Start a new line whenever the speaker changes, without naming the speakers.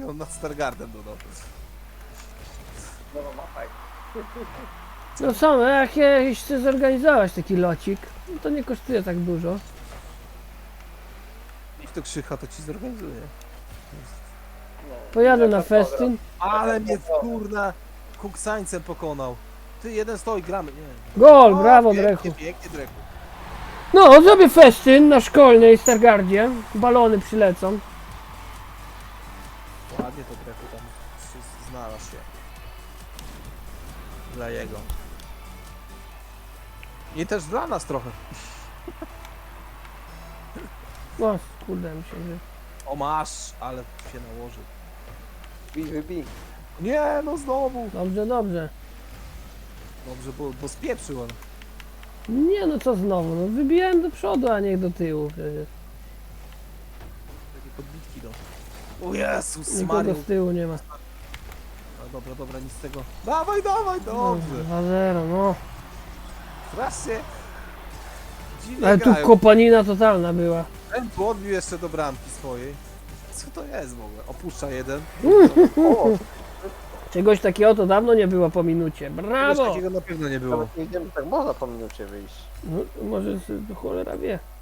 on nad Stargardem dodał.
No mapaj.
No co, no jak jeśli chcesz zorganizować taki locik, no to nie kosztuje tak dużo.
Niech to Krzycha, to ci zorganizuje.
No.
Pojadę na
Jak
festyn.
Ale mnie kurna kuksańcem pokonał. Ty, jeden stoi, gramy. Nie.
Gol,
O,
brawo
pięknie,
Drechu.
pięknie, Drechu.
No, zrobię festyn na szkolnej Stargardzie. Balony przylecą.
Ładnie to Drechu tam znalazł się. Dla jego. I też dla nas trochę.
No, kurde mi się, że...
O, masz, ale się nałożył.
Wybij.
Nie, no znowu.
Dobrze, dobrze.
Dobrze, bo spieprzył on.
Nie no, co znowu, no wybijałem do przodu, a nie do tyłu przecież.
Takie podbitki do. O Jezus
Nikogo
Mario.
z tyłu nie ma.
No dobra, nic z tego. Dawaj, dawaj, dobrze.
2-0, no.
Strasznie. Dziwnie
Ale tu
grają.
kopanina totalna była.
Ten tu odbił jeszcze do bramki swojej. Co to jest w ogóle? Opuszcza jeden.
O,
Czegoś takiego to dawno nie było po minucie.
Czegoś
Brawo!
takiego na pewno nie było.
nawet nie wiedziałem, że tak można po minucie wyjść.
No, może cholera wie.